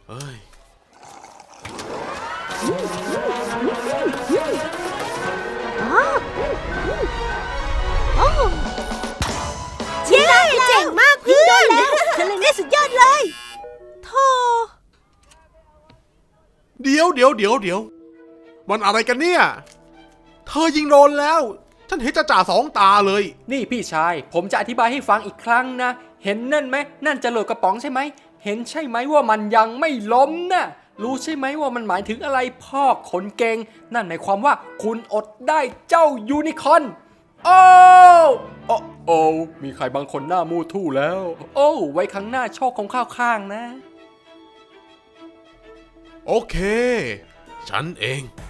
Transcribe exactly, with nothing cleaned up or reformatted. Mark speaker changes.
Speaker 1: เฮ้ย
Speaker 2: เย้เจ๋งมากเพื่อนเธอเล่นได้สุดยอดเลยโธ่
Speaker 1: เดี๋ยวเดี๋ยวเดี๋ยวเดี๋ยวมันอะไรกันเนี่ยเธอยิงโดนแล้วฉันเห็นจะจ่าสองตาเลย
Speaker 3: นี่พี่ชายผมจะอธิบายให้ฟังอีกครั้งนะเห็นนั่นไหมนั่นจรวดกระป๋องใช่ไหมเห็นใช่ไหมว่ามันยังไม่ล้มนะรู้ใช่ไหมว่ามันหมายถึงอะไรพ่อขนเก่งนั่นหมายความว่าคุณอดได้เจ้ายูนิคอร์นโอ้โอ้โอ้มีใครบางคนหน้ามูทู่แล้ว โอ้ไว้ครั้งหน้าโชคของข้าวข้างนะ
Speaker 1: โอเคฉันเอง